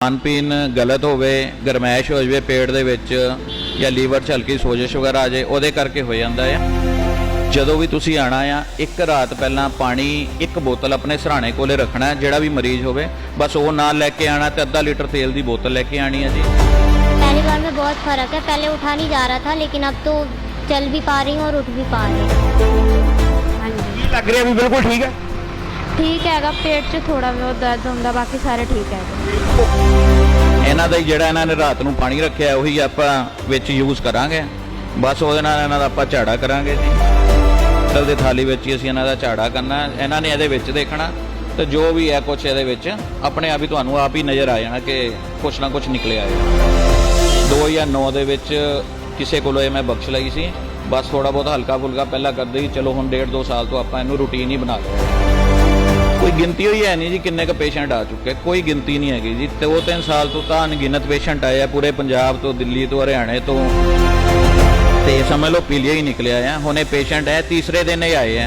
ਖਾਣ ਪੀਣ ਗਲਤ ਹੋਵੇ, ਗਰਮੈਸ਼ ਹੋ ਜਾਵੇ ਪੇਟ ਦੇ ਵਿੱਚ ਜਾਂ ਲੀਵਰ 'ਚ ਹਲਕੀ ਸੋਜਸ਼ ਵਗੈਰਾ ਆ ਜਾਏ, ਉਹਦੇ ਕਰਕੇ ਹੋ ਜਾਂਦਾ ਆ। ਜਦੋਂ ਵੀ ਤੁਸੀਂ ਆਣਾ ਆ, ਇੱਕ ਰਾਤ ਪਹਿਲਾਂ ਪਾਣੀ ਇੱਕ ਬੋਤਲ ਆਪਣੇ ਸਰਾਣੇ ਕੋਲੇ ਰੱਖਣਾ। ਜਿਹੜਾ ਵੀ ਮਰੀਜ਼ ਹੋਵੇ ਬਸ ਉਹ ਨਾਲ ਲੈ ਕੇ ਆਣਾ ਤੇ ਅੱਧਾ ਲੀਟਰ ਤੇਲ ਦੀ ਬੋਤਲ ਲੈ ਕੇ ਆਣੀ ਹੈ ਜੀ। पहली बार में बहुत फ़र्क है, पहले उठा नहीं जा रहा था लेकिन अब तो चल भी पा रही हूँ और उठ भी पा रही हूँ। हाँ जी लग रहा है अभी बिल्कुल ठीक है। ठीक है, पेट 'ਚ थोड़ा बहुत दर्द ਹੁੰਦਾ, ਬਾਕੀ ਸਾਰੇ ਠੀਕ ਹੈ। ਇਹਨਾਂ ਦਾ ਹੀ ਜਿਹੜਾ ਇਹਨਾਂ ਨੇ ਰਾਤ ਨੂੰ ਪਾਣੀ ਰੱਖਿਆ ਉਹੀ ਆਪਾਂ ਵਿੱਚ ਯੂਜ਼ ਕਰਾਂਗੇ। ਬਸ ਉਹਦੇ ਨਾਲ ਇਹਨਾਂ ਦਾ ਆਪਾਂ ਝਾੜਾ ਕਰਾਂਗੇ ਜੀ। ਪਿੱਤਲ ਦੀ ਥਾਲੀ ਵਿੱਚ ਹੀ ਅਸੀਂ ਇਹਨਾਂ ਦਾ ਝਾੜਾ ਕਰਨਾ। ਇਹਨਾਂ ਨੇ ਇਹਦੇ ਵਿੱਚ ਦੇਖਣਾ ਤੇ ਜੋ ਵੀ ਹੈ ਕੁਛ ਇਹਦੇ ਵਿੱਚ ਆਪਣੇ ਆਪ ਹੀ ਤੁਹਾਨੂੰ ਆਪ ਹੀ ਨਜ਼ਰ ਆ ਜਾਣਾ ਕਿ ਕੁਛ ਨਾ ਕੁਛ ਨਿਕਲਿਆ ਹੈ। 2009 ਦੇ ਵਿੱਚ ਕਿਸੇ ਕੋਲੋਂ ਇਹ ਮੈਂ ਬਖਸ਼ ਲਈ ਸੀ। ਬਸ ਥੋੜਾ ਬਹੁਤ ਹਲਕਾ ਫੁਲਕਾ ਪਹਿਲਾਂ ਕਰਦੇ ਹੀ, ਚਲੋ ਹੁਣ 1.5-2 ਸਾਲ ਤੋਂ ਆਪਾਂ ਇਹਨੂੰ ਰੂਟੀਨ ਹੀ ਬਣਾ ਲਿਆ। ਕੋਈ ਗਿਣਤੀ ਹੋਈ ਹੈ ਨਹੀਂ ਜੀ ਕਿੰਨੇ ਕੁ ਪੇਸ਼ੈਂਟ ਆ ਚੁੱਕੇ, ਕੋਈ ਗਿਣਤੀ ਨਹੀਂ ਹੈਗੀ ਜੀ। 2-3 ਸਾਲ ਤੋਂ ਤਾਂ ਅਣਗਿਣਤ ਪੇਸ਼ੈਂਟ ਆਏ ਆ ਪੂਰੇ ਪੰਜਾਬ ਤੋਂ, ਦਿੱਲੀ ਤੋਂ, ਹਰਿਆਣੇ ਤੋਂ, ਤੇ ਸਮਝ ਲਓ ਪੀਲੀਆ ਹੀ ਨਿਕਲਿਆ ਆ। ਹੁਣ ਇਹ ਪੇਸ਼ੈਂਟ ਹੈ ਤੀਸਰੇ ਦਿਨ ਹੀ ਆਏ ਆ।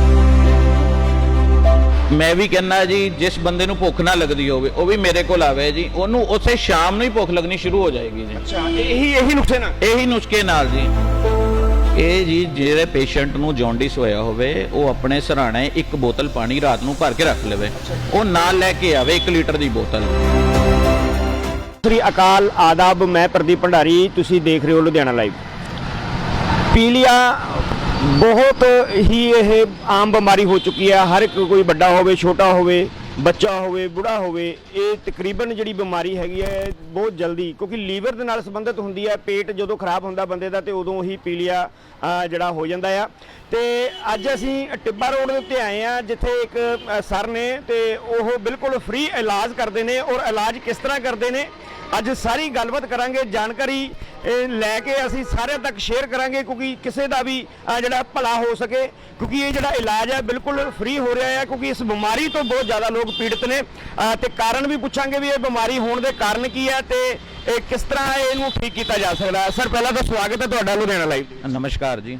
ਮੈਂ ਵੀ ਕਹਿੰਦਾ ਜੀ ਜਿਸ ਬੰਦੇ ਨੂੰ ਭੁੱਖ ਨਾ ਲੱਗਦੀ ਹੋਵੇ ਉਹ ਵੀ ਮੇਰੇ ਕੋਲ ਆਵੇ ਜੀ, ਉਹਨੂੰ ਉਸੇ ਸ਼ਾਮ ਨੂੰ ਹੀ ਭੁੱਖ ਲੱਗਣੀ ਸ਼ੁਰੂ ਹੋ ਜਾਏਗੀ ਜੀ। ਅੱਛਾ, ਇਹੀ ਨੁਸਖੇ ਨਾਲ ਜੀ। ਇਹ ਜੀ ਜਿਹੜੇ ਪੇਸ਼ੈਂਟ ਨੂੰ ਜੌਂਡਿਸ ਹੋਇਆ ਹੋਵੇ ਉਹ ਆਪਣੇ ਸਰਾਣੇ ਇੱਕ ਬੋਤਲ ਪਾਣੀ ਰਾਤ ਨੂੰ ਭਰ ਕੇ ਰੱਖ ਲਵੇ, ਉਹ ਨਾਲ ਲੈ ਕੇ ਆਵੇ 1 ਲੀਟਰ ਦੀ ਬੋਤਲ। ਸ੍ਰੀ ਅਕਾਲ, ਆਦਾਬ। ਮੈਂ ਪ੍ਰਦੀਪ ਭੰਡਾਰੀ, ਤੁਸੀਂ ਦੇਖ ਰਹੇ ਹੋ ਲੁਧਿਆਣਾ ਲਾਈਵ। ਪੀਲੀਆ ਬਹੁਤ ਹੀ ਇਹ ਆਮ ਬਿਮਾਰੀ ਹੋ ਚੁੱਕੀ ਹੈ। ਹਰ ਇੱਕ, ਕੋਈ ਵੱਡਾ ਹੋਵੇ, ਛੋਟਾ ਹੋਵੇ, ਬੱਚਾ ਹੋਵੇ, ਬੁੜਾ ਹੋਵੇ, ਇਹ ਤਕਰੀਬਨ ਜਿਹੜੀ ਬਿਮਾਰੀ ਹੈਗੀ ਹੈ ਬਹੁਤ ਜਲਦੀ, ਕਿਉਂਕਿ ਲੀਵਰ ਦੇ ਨਾਲ ਸੰਬੰਧਿਤ ਹੁੰਦੀ ਹੈ। ਪੇਟ ਜਦੋਂ ਖਰਾਬ ਹੁੰਦਾ ਬੰਦੇ ਦਾ ਤੇ ਉਦੋਂ ਹੀ ਪੀਲੀਆ ਜਿਹੜਾ ਹੋ ਜਾਂਦਾ ਆ। ਤੇ ਅੱਜ ਅਸੀਂ ਟਿੱਬਾ ਰੋਡ ਦੇ ਉੱਤੇ ਆਏ ਆ ਜਿੱਥੇ ਇੱਕ ਸਰ ਨੇ ਤੇ ਉਹ ਬਿਲਕੁਲ ਫ੍ਰੀ ਇਲਾਜ ਕਰਦੇ ਨੇ। ਔਰ ਇਲਾਜ ਕਿਸ ਤਰ੍ਹਾਂ ਕਰਦੇ ਨੇ ਅੱਜ ਸਾਰੀ ਗੱਲਬਾਤ ਕਰਾਂਗੇ, ਜਾਣਕਾਰੀ ਲੈ ਕੇ ਅਸੀਂ ਸਾਰਿਆਂ ਤੱਕ ਸ਼ੇਅਰ ਕਰਾਂਗੇ, ਕਿਉਂਕਿ ਕਿਸੇ ਦਾ ਵੀ ਜਿਹੜਾ ਭਲਾ ਹੋ ਸਕੇ। ਕਿਉਂਕਿ ਇਹ ਜਿਹੜਾ ਇਲਾਜ ਹੈ ਬਿਲਕੁਲ ਫ੍ਰੀ ਹੋ ਰਿਹਾ ਹੈ, ਕਿਉਂਕਿ ਇਸ ਬਿਮਾਰੀ ਤੋਂ ਬਹੁਤ ਜ਼ਿਆਦਾ ਲੋਕ ਪੀੜਤ ਨੇ। ਤੇ ਕਾਰਨ ਵੀ ਪੁੱਛਾਂਗੇ ਵੀ ਇਹ ਬਿਮਾਰੀ ਹੋਣ ਦੇ ਕਾਰਨ ਕੀ ਹੈ ਤੇ ਇਹ ਕਿਸ ਤਰ੍ਹਾਂ ਇਹਨੂੰ ਠੀਕ ਕੀਤਾ ਜਾ ਸਕਦਾ ਹੈ। ਸਰ, ਪਹਿਲਾਂ ਤਾਂ ਸਵਾਗਤ ਹੈ ਤੁਹਾਡਾ ਲੁਧਿਆਣਾ ਲਾਈਵ। ਨਮਸਕਾਰ ਜੀ।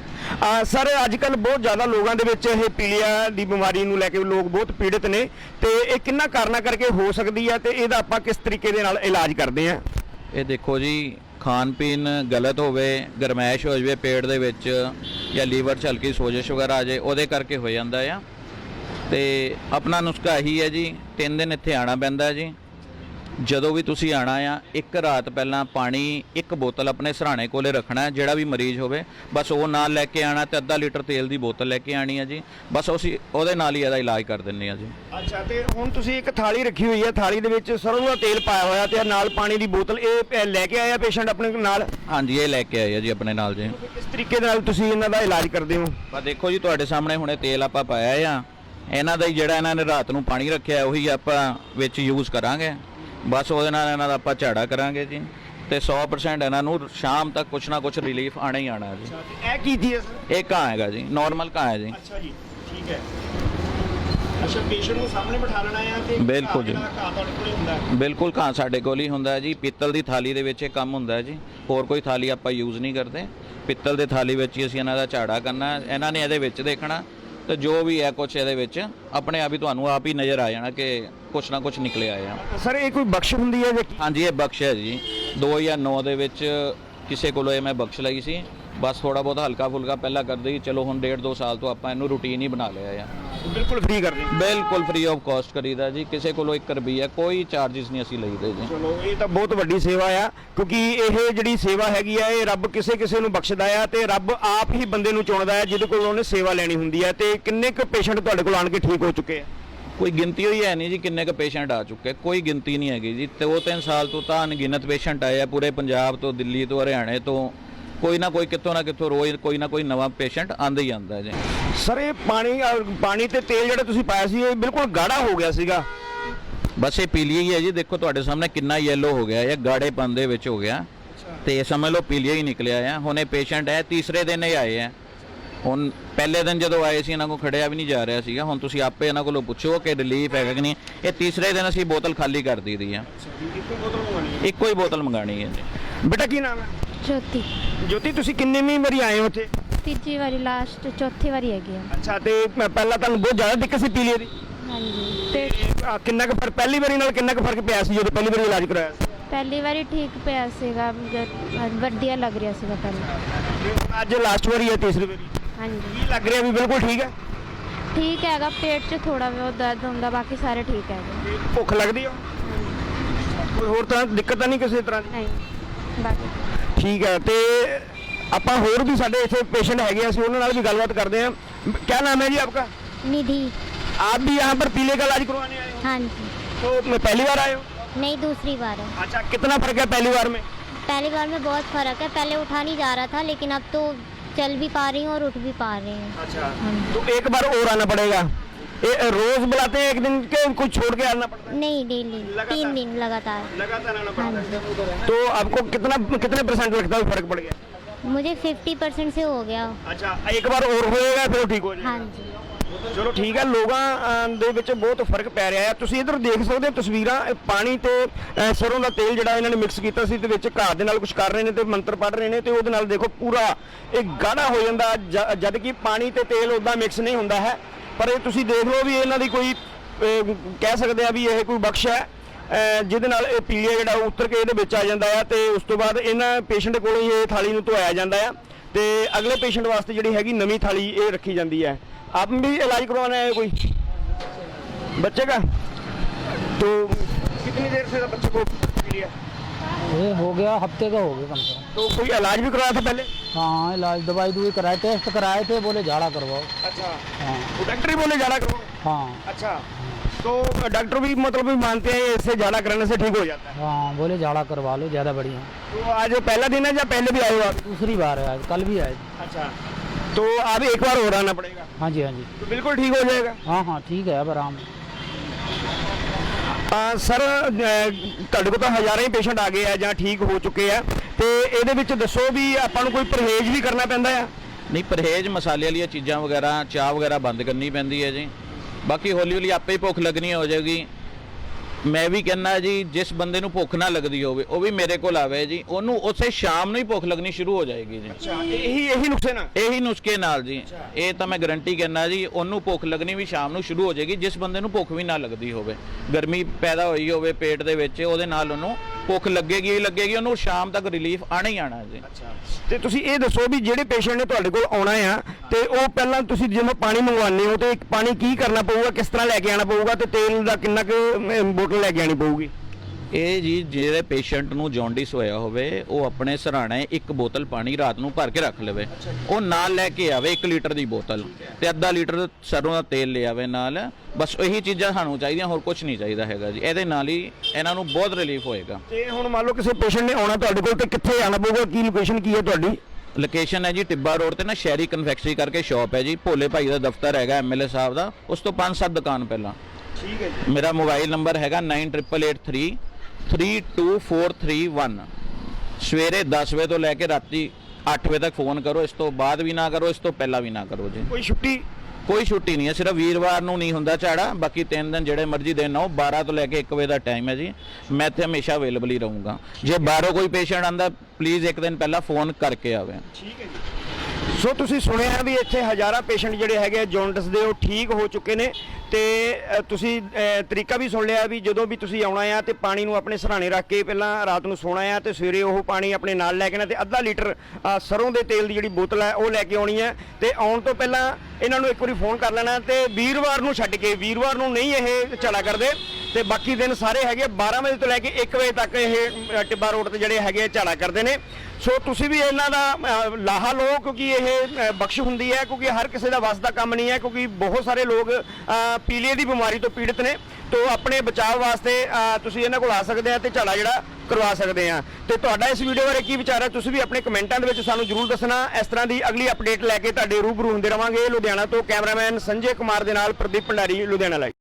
ਸਰ, ਅੱਜ ਕੱਲ੍ਹ ਬਹੁਤ ਜ਼ਿਆਦਾ ਲੋਕਾਂ ਦੇ ਵਿੱਚ ਇਹ ਪੀਲੀਆ ਦੀ ਬਿਮਾਰੀ ਨੂੰ ਲੈ ਕੇ ਲੋਕ ਬਹੁਤ ਪੀੜਤ ਨੇ ਤੇ ਇਹ ਕਿੰਨਾ ਕਾਰਨਾਂ ਕਰਕੇ ਹੋ ਸਕਦੀ ਹੈ ਤੇ ਇਹਦਾ ਆਪਾਂ ਕਿਸ ਤਰੀਕੇ ਦੇ ਨਾਲ ਇਲਾਜ ਕਰਦੇ ਹਾਂ? ਇਹ ਦੇਖੋ ਜੀ, ਖਾਣ ਪੀਣ ਗਲਤ ਹੋਵੇ, ਗਰਮੈਸ਼ ਹੋ ਜਾਵੇ ਪੇਟ ਦੇ ਵਿੱਚ ਜਾਂ ਲੀਵਰ 'ਚ ਹਲਕੀ ਸੋਜਸ਼ ਵਗੈਰਾ ਆ ਜਾਏ, ਉਹਦੇ ਕਰਕੇ ਹੋ ਜਾਂਦਾ ਆ। ਤੇ ਆਪਣਾ ਨੁਸਖਾ ਇਹੀ ਹੈ ਜੀ, 3 ਦਿਨ ਇੱਥੇ ਆਣਾ ਪੈਂਦਾ ਜੀ। ਜਦੋਂ ਵੀ ਤੁਸੀਂ ਆਣਾ ਆ, ਇੱਕ ਰਾਤ ਪਹਿਲਾਂ ਪਾਣੀ ਇੱਕ ਬੋਤਲ ਆਪਣੇ ਸਰਾਣੇ ਕੋਲੇ ਰੱਖਣਾ। ਜਿਹੜਾ ਵੀ ਮਰੀਜ਼ ਹੋਵੇ ਬਸ ਉਹ ਨਾਲ ਲੈ ਕੇ ਆਣਾ ਤੇ ਅੱਧਾ ਲੀਟਰ ਤੇਲ ਦੀ ਬੋਤਲ ਲੈ ਕੇ ਆਣੀ ਹੈ ਜੀ। ਬਸ ਅਸੀਂ ਉਹਦੇ ਨਾਲ ਹੀ ਇਹਦਾ ਇਲਾਜ ਕਰ ਦਿੰਦੇ ਆ ਜੀ। ਅੱਛਾ, ਤੇ ਹੁਣ ਤੁਸੀਂ ਇੱਕ ਥਾਲੀ ਰੱਖੀ ਹੋਈ ਹੈ, ਥਾਲੀ ਦੇ ਵਿੱਚ ਸਰੋਂ ਦਾ ਤੇਲ ਪਾਇਆ ਹੋਇਆ ਤੇ ਨਾਲ ਪਾਣੀ ਦੀ ਬੋਤਲ, ਇਹ ਲੈ ਕੇ ਆਇਆ ਪੇਸ਼ੈਂਟ ਆਪਣੇ ਨਾਲ? ਹਾਂਜੀ, ਇਹ ਲੈ ਕੇ ਆਏ ਆ ਜੀ ਆਪਣੇ ਨਾਲ ਜੀ। ਕਿਸ ਤਰੀਕੇ ਦੇ ਨਾਲ ਤੁਸੀਂ ਇਹਨਾਂ ਦਾ ਇਲਾਜ ਕਰਦੇ ਹੋ? ਬਸ ਦੇਖੋ ਜੀ, ਤੁਹਾਡੇ ਸਾਹਮਣੇ ਹੁਣੇ ਤੇਲ ਆਪਾਂ ਪਾਇਆ ਆ। ਇਹਨਾਂ ਦਾ ਹੀ ਜਿਹੜਾ ਇਹਨਾਂ ਨੇ ਰਾਤ ਨੂੰ ਪਾਣੀ ਰੱਖਿਆ ਉਹੀ ਆਪਾਂ ਵਿੱਚ ਯੂਜ਼ ਕਰਾਂਗੇ। ਬਸ ਉਹਦੇ ਨਾਲ ਇਹਨਾਂ ਦਾ ਆਪਾਂ ਝਾੜਾ ਕਰਾਂਗੇ ਜੀ ਤੇ 100% ਇਹਨਾਂ ਨੂੰ ਸ਼ਾਮ ਤੱਕ ਕੁਛ ਨਾ ਕੁਛ ਰਿਲੀਫ ਆਣਾ ਹੀ ਆਣਾ ਜੀ। ਇਹ ਕੀ ਚੀਜ਼ ਹੈ ਸਰ? ਇਹ ਕਾਂ ਹੈਗਾ ਜੀ, ਨਾਰਮਲ ਕਾਂ ਹੈ ਜੀ। ਅੱਛਾ ਜੀ, ਠੀਕ ਹੈ। ਅੱਛਾ, ਪੇਸ਼ੈਂਟ ਨੂੰ ਸਾਹਮਣੇ ਬਿਠਾ ਲੈਣਾ ਹੈ ਤੇ ਬਿਲਕੁਲ ਜੀ, ਘਾ ਤੁਹਾਡੇ ਕੋਲ ਹੁੰਦਾ ਹੈ? ਬਿਲਕੁਲ, ਕਾਂ ਸਾਡੇ ਕੋਲ ਹੀ ਹੁੰਦਾ ਜੀ। ਪਿੱਤਲ ਦੀ ਥਾਲੀ ਦੇ ਵਿੱਚ ਇਹ ਕੰਮ ਹੁੰਦਾ ਜੀ, ਹੋਰ ਕੋਈ ਥਾਲੀ ਆਪਾਂ ਯੂਜ਼ ਨਹੀਂ ਕਰਦੇ। ਪਿੱਤਲ ਦੇ ਥਾਲੀ ਵਿੱਚ ਹੀ ਅਸੀਂ ਇਹਨਾਂ ਦਾ ਝਾੜਾ ਕਰਨਾ। ਇਹਨਾਂ ਨੇ ਇਹਦੇ ਵਿੱਚ ਦੇਖਣਾ ਤੇ ਜੋ ਵੀ ਹੈ ਕੁਛ ਇਹਦੇ ਵਿੱਚ ਆਪਣੇ ਆਪ ਹੀ ਤੁਹਾਨੂੰ ਆਪ ਹੀ ਨਜ਼ਰ ਆ ਜਾਣਾ ਕਿ ਕੁਛ ਨਾ ਕੁਛ ਨਿਕਲਿਆ ਆ। ਸਰ, ਇਹ ਕੋਈ ਬਖਸ਼ ਹੁੰਦੀ ਹੈ? ਹਾਂਜੀ, ਇਹ ਬਖਸ਼ ਹੈ ਜੀ। 2009 ਦੇ ਵਿੱਚ ਕਿਸੇ ਕੋਲੋਂ ਇਹ ਮੈਂ ਬਖਸ਼ ਲਈ ਸੀ। ਬਸ ਥੋੜਾ ਬਹੁਤ ਹਲਕਾ ਫੁਲਕਾ ਪਹਿਲਾਂ ਕਰਦੇ ਹੀ, ਚਲੋ ਹੁਣ 1.5-2 ਸਾਲ ਤੋਂ ਆਪਾਂ ਇਹਨੂੰ ਰੂਟੀਨ ਹੀ ਬਣਾ ਲਿਆ ਆ। ਬਿਲਕੁਲ ਫ੍ਰੀ ਕਰਦੇ? ਬਿਲਕੁਲ ਫ੍ਰੀ ਆਫ ਕਾਸਟ ਕਰੀਦਾ ਜੀ। ਕਿਸੇ ਕੋਲੋਂ 1 ਰੁਪਈਆ ਕੋਈ ਚਾਰजेस ਨਹੀਂ ਅਸੀਂ ਲਈਦੇ ਜੀ। ਚਲੋ, ਇਹ ਤਾਂ ਬਹੁਤ ਵੱਡੀ ਸੇਵਾ ਆ, ਕਿਉਂਕਿ ਇਹ ਜਿਹੜੀ ਸੇਵਾ ਹੈਗੀ ਆ ਇਹ ਰੱਬ ਕਿਸੇ ਨੂੰ ਬਖਸ਼ਦਾ ਆ ਤੇ ਰੱਬ ਆਪ ਹੀ ਬੰਦੇ ਨੂੰ ਚੁਣਦਾ ਹੈ ਜਿਹਦੇ ਕੋਲ ਉਹਨੇ ਸੇਵਾ ਲੈਣੀ ਹੁੰਦੀ ਹੈ। ਤੇ ਕਿੰਨੇ ਕੁ ਪੇਸ਼ੈਂਟ ਤੁਹਾਡੇ ਕੋਲ ਆਣ ਕੇ ਠੀਕ ਹੋ ਚੁੱਕੇ ਆ? ਕੋਈ ਗਿਣਤੀ ਹੋਈ ਹੈ ਨਹੀਂ ਜੀ ਕਿੰਨੇ ਕੁ ਪੇਸ਼ੈਂਟ ਆ ਚੁੱਕੇ, ਕੋਈ ਗਿਣਤੀ ਨਹੀਂ ਹੈਗੀ ਜੀ। 2-3 ਸਾਲ ਤੋਂ ਤਾਂ ਅਣਗਿਣਤ ਪੇਸ਼ੈਂਟ ਆਏ ਆ ਪੂਰੇ ਪੰਜਾਬ ਤੋਂ, ਦਿੱਲੀ ਤੋਂ, ਹਰਿਆਣੇ ਤੋਂ। ਕੋਈ ਨਾ ਕੋਈ ਕਿਤੋਂ ਨਾ ਕਿਤੋਂ ਰੋਜ਼ ਕੋਈ ਨਾ ਕੋਈ ਨਵਾਂ ਪੇਸ਼ੈਂਟ ਆਂਦਾ ਹੀ ਆਂਦਾ ਜੀ। ਸਰ, ਇਹ ਪਾਣੀ ਤੇ ਤੇਲ ਜਿਹੜਾ ਤੁਸੀਂ ਪਾਇਆ ਸੀ ਇਹ ਬਿਲਕੁਲ ਗਾੜਾ ਹੋ ਗਿਆ ਸੀਗਾ। ਬਸ ਇਹ ਪੀਲੀਆ ਹੀ ਹੈ ਜੀ। ਦੇਖੋ ਤੁਹਾਡੇ ਸਾਹਮਣੇ ਕਿੰਨਾ ਯੈਲੋ ਹੋ ਗਿਆ, ਇਹ ਗਾੜੇਪਨ ਦੇ ਵਿੱਚ ਹੋ ਗਿਆ ਤੇ ਸਮਝ ਲਓ ਪੀਲੀਆ ਹੀ ਨਿਕਲਿਆ ਆ। ਹੁਣ ਇਹ ਪੇਸ਼ੈਂਟ ਹੈ ਤੀਸਰੇ ਦਿਨ ਹੀ ਆਏ ਆ। ਹੁਣ ਪਹਿਲੇ ਦਿਨ ਜਦੋਂ ਆਏ ਸੀ ਇਹਨਾਂ ਕੋਲ ਖੜਿਆ ਵੀ ਨਹੀਂ ਜਾ ਰਿਹਾ ਸੀਗਾ। ਹੁਣ ਤੁਸੀਂ ਆਪੇ ਇਹਨਾਂ ਕੋਲੋਂ ਪੁੱਛੋ ਕਿ ਰਿਲੀਫ ਹੈਗਾ ਕਿ ਨਹੀਂ। ਇਹ ਤੀਸਰੇ ਦਿਨ ਅਸੀਂ ਬੋਤਲ ਖਾਲੀ ਕਰ ਦਿੱਤੀ ਆ। ਇੱਕੋ ਹੀ ਬੋਤਲ ਮੰਗਾਣੀ ਹੈ ਜੀ। ਬੇਟਾ ਕੀ ਨਾਮ ਹੈ? ज्योति। ਜੋਤੀ, ਤੁਸੀਂ ਕਿੰਨੀ ਵਾਰੀ ਆਏ ਹੋ ਇੱਥੇ? ਤੀਜੀ ਵਾਰੀ, ਲਾਸਟ ਚੌਥੀ ਵਾਰੀ ਹੈਗੀ ਆ। ਅੱਛਾ, ਤੇ ਪਹਿਲਾਂ ਤੁਹਾਨੂੰ ਬਹੁਤ ਜ਼ਿਆਦਾ ਦਿੱਕਤ ਸੀ ਪੀਲੀਏ ਦੀ? हाँ जी ਤੇ ਕਿੰਨਾ ਕੁ ਫਰਕ ਪਹਿਲੀ ਵਾਰੀ ਨਾਲ ਕਿੰਨਾ ਕੁ ਫਰਕ ਪਿਆ ਸੀ ਜਦੋਂ ਪਹਿਲੀ ਵਾਰੀ ਇਲਾਜ ਕਰਾਇਆ ਸੀ? ਪਹਿਲੀ ਵਾਰੀ ਠੀਕ ਪਿਆ ਸੀਗਾ ਵਧੀਆ ਲੱਗ ਰਿਹਾ ਸੀਗਾ ਪਹਿਲਾਂ। ਤੇ ਹੁਣ ਅੱਜ ਲਾਸਟ ਵਾਰੀ ਹੈ ਤੀਸਰੀ ਵਾਰੀ हाँ जी ਕੀ ਲੱਗ ਰਿਹਾ ਵੀ ਬਿਲਕੁਲ ਠੀਕ ਹੈ? ਠੀਕ ਹੈਗਾ, ਪੇਟ 'ਚ ਥੋੜਾ ਬਹੁਤ ਦਰਦ ਹੁੰਦਾ, ਬਾਕੀ ਸਾਰੇ ਠੀਕ ਹੈਗੇ। ਤੇ ਭੁੱਖ ਲੱਗਦੀ ਆ? ਕੋਈ ਹੋਰ ਤਰ੍ਹਾਂ ਦੀ ਦਿੱਕਤ ਤਾਂ ਨਹੀਂ ਕਿਸੇ ਤਰ੍ਹਾਂ ਦੀ? ਨਹੀਂ ਬਾਕੀ ਠੀਕ ਹੈ। ਤੇ ਆਪਾਂ ਹੋਰ ਵੀ ਸਾਡੇ ਇੱਥੇ ਪੇਸ਼ੈਂਟ ਹੈਗੇ ਆ, ਅਸੀਂ ਉਹਨਾਂ ਨਾਲ ਵੀ ਗੱਲਬਾਤ ਕਰਦੇ हैं। क्या नाम है जी आपका? निधि। आप भी यहाँ पर पीले का इलाज करवाने आए हो? हाँ जी। तो मैं पहली बार आए हो? नहीं, दूसरी बार है। अच्छा, कितना फर्क है पहली बार में? पहली बार में बहुत फर्क है, पहले उठा नहीं जा रहा था लेकिन अब तो चल भी पा रही हूँ और उठ भी पा रही हूँ। अच्छा, हाँ जी। तो एक बार और आना पड़ेगा। रोज बुलाते हैं एक दिन के कुछ छोड़ के आना पड़ता है? नहीं, डेली लगातार? 3 दिन लगातार। लगातार आना हाँ पड़ता है। तो आपको कितने परसेंट लगता है फर्क पड़ गया? मुझे 50% से हो गया। अच्छा, एक बार और होएगा फिर ठीक हो जाएगा। हाँ जी। ਚਲੋ ਠੀਕ ਹੈ। ਲੋਕਾਂ ਦੇ ਵਿੱਚ ਬਹੁਤ ਫਰਕ ਪੈ ਰਿਹਾ ਹੈ। ਤੁਸੀਂ ਇਧਰ ਦੇਖ ਸਕਦੇ ਹੋ ਤਸਵੀਰਾਂ, ਪਾਣੀ ਤੇ ਸਰੋਂ ਦਾ ਤੇਲ ਜਿਹੜਾ ਇਹਨਾਂ ਨੇ ਮਿਕਸ ਕੀਤਾ ਸੀ ਤੇ ਵਿੱਚ ਘਾਹ ਦੇ ਨਾਲ ਕੁਝ ਕਰ ਰਹੇ ਨੇ ਤੇ ਮੰਤਰ ਪੜ੍ਹ ਰਹੇ ਨੇ ਤੇ ਉਹਦੇ ਨਾਲ ਦੇਖੋ ਪੂਰਾ ਇਹ ਗਾੜਾ ਹੋ ਜਾਂਦਾ ਜਦ ਕਿ ਪਾਣੀ ਤੇ ਤੇਲ ਉਦਾਂ ਮਿਕਸ ਨਹੀਂ ਹੁੰਦਾ ਹੈ। ਪਰ ਇਹ ਤੁਸੀਂ ਦੇਖ ਲਓ ਵੀ ਇਹਨਾਂ ਦੀ ਕੋਈ ਕਹਿ ਸਕਦੇ ਆ ਵੀ ਇਹ ਕੋਈ ਬਖਸ਼ ਹੈ ਜਿਹਦੇ ਨਾਲ ਇਹ ਪੀਲੀਆ ਜਿਹੜਾ ਉਤਰ ਕੇ ਇਹਦੇ ਵਿੱਚ ਆ ਜਾਂਦਾ ਹੈ ਤੇ ਉਸ ਤੋਂ ਬਾਅਦ ਇਹਨਾਂ ਪੇਸ਼ੈਂਟ ਕੋਲੋਂ ਹੀ ਇਹ ਥਾਲੀ ਨੂੰ ਧੋਇਆ ਜਾਂਦਾ ਹੈ ਤੇ ਅਗਲੇ ਪੇਸ਼ੈਂਟ ਵਾਸਤੇ ਜਿਹੜੀ ਹੈਗੀ ਨਵੀਂ ਥਾਲੀ ਇਹ ਰੱਖੀ ਜਾਂਦੀ है। आप भी इलाज करवाना है कोई बच्चे का? तो कितनी देर से बच्चे को पीलिया? ये हो गया हफ्ते का हो गया कम से कम। तो कोई इलाज भी करवाया था पहले? हाँ इलाज दवाई दुवाई कराए, टेस्ट कराए थे, बोले झाड़ा करवाओ। अच्छा, हाँ तो डॉक्टर ही बोले झाड़ा करो? हाँ अच्छा, तो डॉक्टर भी मतलब भी मानते हैं इससे झाड़ा कराने से ठीक हो जाता है? हाँ बोले झाड़ा करवा लो, ज़्यादा बढ़िया। तो आज पहला दिन है या पहले भी आए हो आप? दूसरी बार है आज, कल भी आए। अच्छा, तो अब एक बार और आना पड़ेगा? हाँ जी हाँ जी। तो बिल्कुल ठीक हो जाएगा? हाँ हाँ ठीक है अब आराम। ਸਰ ਤੁਹਾਡੇ ਕੋਲ ਤਾਂ ਹਜ਼ਾਰਾਂ ਹੀ ਪੇਸ਼ੈਂਟ ਆ ਗਏ ਆ ਜਾਂ ਠੀਕ ਹੋ ਚੁੱਕੇ ਆ ਤੇ ਇਹਦੇ ਵਿੱਚ ਦੱਸੋ ਵੀ ਆਪਾਂ ਨੂੰ ਕੋਈ ਪਰਹੇਜ਼ ਵੀ ਕਰਨਾ ਪੈਂਦਾ ਆ? ਨਹੀਂ, ਪਰਹੇਜ਼ ਮਸਾਲੇ ਵਾਲੀਆਂ ਚੀਜ਼ਾਂ ਵਗੈਰਾ, ਚਾਹ ਵਗੈਰਾ ਬੰਦ ਕਰਨੀ ਪੈਂਦੀ ਹੈ ਜੀ। ਬਾਕੀ ਹੌਲੀ ਹੌਲੀ ਆਪੇ ਹੀ ਭੁੱਖ ਲੱਗਣੀ ਹੋ ਜਾਏਗੀ। ਮੈਂ ਵੀ ਕਹਿੰਦਾ ਜੀ ਜਿਸ ਬੰਦੇ ਨੂੰ ਭੁੱਖ ਨਾ ਲੱਗਦੀ ਹੋਵੇ ਉਹ ਵੀ ਮੇਰੇ ਕੋਲ ਆਵੇ ਜੀ, ਉਹਨੂੰ ਉਸੇ ਸ਼ਾਮ ਨੂੰ ਹੀ ਭੁੱਖ ਲੱਗਣੀ ਸ਼ੁਰੂ ਹੋ ਜਾਏਗੀ ਜੀ। ਅੱਛਾ, ਇਹੀ ਨੁਕਸੇ ਨਾਲ? ਇਹੀ ਨੁਸਖੇ ਨਾਲ ਜੀ, ਇਹ ਤਾਂ ਮੈਂ ਗਾਰੰਟੀ ਕਹਿੰਦਾ ਜੀ। ਉਹਨੂੰ ਭੁੱਖ ਲੱਗਣੀ ਵੀ ਸ਼ਾਮ ਨੂੰ ਸ਼ੁਰੂ ਹੋ ਜਾਏਗੀ ਜਿਸ ਬੰਦੇ ਨੂੰ ਭੁੱਖ ਵੀ ਨਾ ਲੱਗਦੀ ਹੋਵੇ, ਗਰਮੀ ਪੈਦਾ ਹੋਈ ਹੋਵੇ ਪੇਟ ਦੇ ਵਿੱਚ, ਉਹਦੇ ਨਾਲ ਉਹਨੂੰ ਭੁੱਖ ਲੱਗੇਗੀ ਹੀ ਲੱਗੇਗੀ, ਉਹਨੂੰ ਸ਼ਾਮ ਤੱਕ ਰਿਲੀਫ ਆਣਾ ਹੀ ਆਣਾ ਜੀ। ਤੇ ਤੁਸੀਂ ਇਹ ਦੱਸੋ ਵੀ ਜਿਹੜੇ ਪੇਸ਼ੈਂਟ ਨੇ ਤੁਹਾਡੇ ਕੋਲ ਆਉਣਾ ਆ ਤੇ ਉਹ ਪਹਿਲਾਂ ਤੁਸੀਂ ਜਦੋਂ ਪਾਣੀ ਮੰਗਵਾਉਂਦੇ ਹੋ ਤੇ ਪਾਣੀ ਕੀ ਕਰਨਾ ਪਊਗਾ, ਕਿਸ ਤਰ੍ਹਾਂ ਲੈ ਕੇ ਆਣਾ ਪਊਗਾ ਤੇ ਤੇਲ ਦਾ ਕਿੰਨਾ ਕੁ ਬੋਤਲ ਲੈ ਕੇ ਆਣੀ ਪਊਗੀ? ਇਹ ਜੀ ਜਿਹੜੇ ਪੇਸ਼ੈਂਟ ਨੂੰ ਜੌਂਡਿਸ ਹੋਇਆ ਹੋਵੇ ਉਹ ਆਪਣੇ ਸਰਾਣੇ ਇੱਕ ਬੋਤਲ ਪਾਣੀ ਰਾਤ ਨੂੰ ਭਰ ਕੇ ਰੱਖ ਲਵੇ। ਉਹ ਨਾਲ ਲੈ ਕੇ ਆਵੇ 1 ਲੀਟਰ ਦੀ ਬੋਤਲ ਤੇ ਅੱਧਾ ਲੀਟਰ ਸਰੋਂ ਦਾ ਤੇਲ ਲੈ ਆਵੇ ਨਾਲ। ਬਸ ਇਹੀ ਚੀਜ਼ਾਂ ਸਾਨੂੰ ਚਾਹੀਦੀਆਂ, ਹੋਰ ਕੁਝ ਨਹੀਂ ਚਾਹੀਦਾ ਹੈਗਾ ਜੀ। ਇਹਦੇ ਨਾਲ ਹੀ ਇਹਨਾਂ ਨੂੰ ਬਹੁਤ ਰਿਲੀਫ ਹੋਏਗਾ। ਤੇ ਹੁਣ ਮੰਨ ਲਓ ਕਿਸੇ ਪੇਸ਼ੈਂਟ ਨੇ ਆਉਣਾ ਤੁਹਾਡੇ ਕੋਲ ਤੇ ਕਿੱਥੇ ਆਣਾ ਪਊਗਾ, ਕੀ ਲੋਕੇਸ਼ਨ ਕੀ ਹੈ ਤੁਹਾਡੀ? ਲੋਕੇਸ਼ਨ ਹੈ ਜੀ ਟਿੱਬਾ ਰੋਡ ਤੇ ਨਾ ਸ਼ਹਿਰੀ ਕਨਫੈਕਸ਼ਨਰੀ ਕਰਕੇ ਸ਼ਾਪ ਹੈ ਜੀ। ਭੋਲੇ ਭਾਈ ਦਾ ਦਫ਼ਤਰ ਹੈਗਾ MLA ਸਾਹਿਬ ਦਾ, ਉਸ ਤੋਂ 5-7 ਦੁਕਾਨ ਪਹਿਲਾਂ। ਠੀਕ ਹੈ ਜੀ। ਮੇਰਾ ਮੋਬਾਈਲ ਨੰਬਰ ਹੈਗਾ 9888332431। ਸਵੇਰੇ 10 ਵਜੇ ਤੋਂ ਲੈ ਕੇ ਰਾਤੀ 8 ਵਜੇ ਤੱਕ ਫੋਨ ਕਰੋ। ਇਸ ਤੋਂ ਬਾਅਦ ਵੀ ਨਾ ਕਰੋ, ਇਸ ਤੋਂ ਪਹਿਲਾਂ ਵੀ ਨਾ ਕਰੋ ਜੀ। ਕੋਈ ਛੁੱਟੀ? ਕੋਈ ਛੁੱਟੀ ਨਹੀਂ ਹੈ, ਸਿਰਫ ਵੀਰਵਾਰ ਨੂੰ ਨਹੀਂ ਹੁੰਦਾ ਝਾੜਾ, ਬਾਕੀ 3 ਦਿਨ ਜਿਹੜੇ ਮਰਜ਼ੀ ਦਿਨ ਆਓ। 12 ਤੋਂ ਲੈ ਕੇ 1 ਵਜੇ ਦਾ ਟਾਈਮ ਹੈ ਜੀ। ਮੈਂ ਇੱਥੇ ਹਮੇਸ਼ਾ ਅਵੇਲੇਬਲ ਹੀ ਰਹੂੰਗਾ। ਜੇ ਬਾਹਰੋਂ ਕੋਈ ਪੇਸ਼ੈਂਟ ਆਂਦਾ ਪਲੀਜ਼ 1 ਦਿਨ ਪਹਿਲਾਂ ਫੋਨ ਕਰਕੇ ਆਵੇ। ਠੀਕ ਹੈ ਜੀ। ਸੋ ਤੁਸੀਂ ਸੁਣਿਆ ਵੀ ਇੱਥੇ ਹਜ਼ਾਰਾਂ ਪੇਸ਼ੈਂਟ ਜਿਹੜੇ ਹੈਗੇ ਜੌਂਡਿਸ ਦੇ ਉਹ ਠੀਕ ਹੋ ਚੁੱਕੇ ਨੇ ਤੇ ਤੁਸੀਂ ਤਰੀਕਾ ਵੀ ਸੁਣ ਲਿਆ ਵੀ ਜਦੋਂ ਵੀ ਤੁਸੀਂ ਆਉਣਾ ਆ ਤੇ ਪਾਣੀ ਨੂੰ ਆਪਣੇ ਸਰਾਣੇ ਰੱਖ ਕੇ ਪਹਿਲਾਂ ਰਾਤ ਨੂੰ ਸੋਣਾ ਆ ਤੇ ਸਵੇਰੇ ਉਹ ਪਾਣੀ ਆਪਣੇ ਨਾਲ ਲੈ ਕੇ ਨਾ ਤੇ ਅੱਧਾ ਲੀਟਰ ਸਰੋਂ ਦੇ ਤੇਲ ਦੀ ਜਿਹੜੀ ਬੋਤਲ ਹੈ ਉਹ ਲੈ ਕੇ ਆਉਣੀ ਹੈ ਤੇ ਆਉਣ ਤੋਂ ਪਹਿਲਾਂ ਇਹਨਾਂ ਨੂੰ ਇੱਕ ਵਾਰੀ ਫੋਨ ਕਰ ਲੈਣਾ ਤੇ ਵੀਰਵਾਰ ਨੂੰ ਛੱਡ ਕੇ, ਵੀਰਵਾਰ ਨੂੰ ਨਹੀਂ ਇਹ ਝਾੜਾ ਕਰਦੇ ਤੇ ਬਾਕੀ ਦਿਨ ਸਾਰੇ ਹੈਗੇ 12 ਵਜੇ ਤੋਂ ਲੈ ਕੇ 1 ਵਜੇ ਤੱਕ ਇਹ ਟਿੱਬਾ ਰੋਡ ਤੇ ਜਿਹੜੇ ਹੈਗੇ ਝਾੜਾ ਕਰਦੇ ਨੇ। ਸੋ ਤੁਸੀਂ ਵੀ ਇਹਨਾਂ ਦਾ ਲਾਹਾ ਲਓ ਕਿਉਂਕਿ ਇਹ ਬਖਸ਼ ਹੁੰਦੀ ਹੈ, ਕਿਉਂਕਿ ਹਰ ਕਿਸੇ ਦਾ ਵੱਸ ਦਾ ਕੰਮ ਨਹੀਂ ਹੈ, ਕਿਉਂਕਿ ਬਹੁਤ ਸਾਰੇ ਲੋਕ ਪੀਲੀਏ ਦੀ ਬਿਮਾਰੀ ਤੋਂ ਪੀੜਤ ਨੇ। ਤੋਂ ਆਪਣੇ ਬਚਾਅ ਵਾਸਤੇ ਤੁਸੀਂ ਇਹਨਾਂ ਕੋਲ ਆ ਸਕਦੇ ਆ ਤੇ ਝਾੜਾ ਜਿਹੜਾ ਕਰਵਾ ਸਕਦੇ ਆ। ਤੇ ਤੁਹਾਡਾ ਇਸ ਵੀਡੀਓ ਬਾਰੇ ਕੀ ਵਿਚਾਰ ਹੈ ਤੁਸੀਂ ਵੀ ਆਪਣੇ ਕਮੈਂਟਾਂ ਦੇ ਵਿੱਚ ਸਾਨੂੰ ਜ਼ਰੂਰ ਦੱਸਣਾ। ਇਸ ਤਰ੍ਹਾਂ ਦੀ ਅਗਲੀ ਅਪਡੇਟ ਲੈ ਕੇ ਤੁਹਾਡੇ ਰੂਬਰੂ ਹੁੰਦੇ ਰਵਾਂਗੇ। ਲੁਧਿਆਣਾ ਤੋਂ ਕੈਮਰਾਮੈਨ ਸੰਜੇ ਕੁਮਾਰ ਦੇ ਨਾਲ ਪ੍ਰਦੀਪ ਭੰਡਾਰੀ, ਲੁਧਿਆਣਾ ਲਾਈਵ।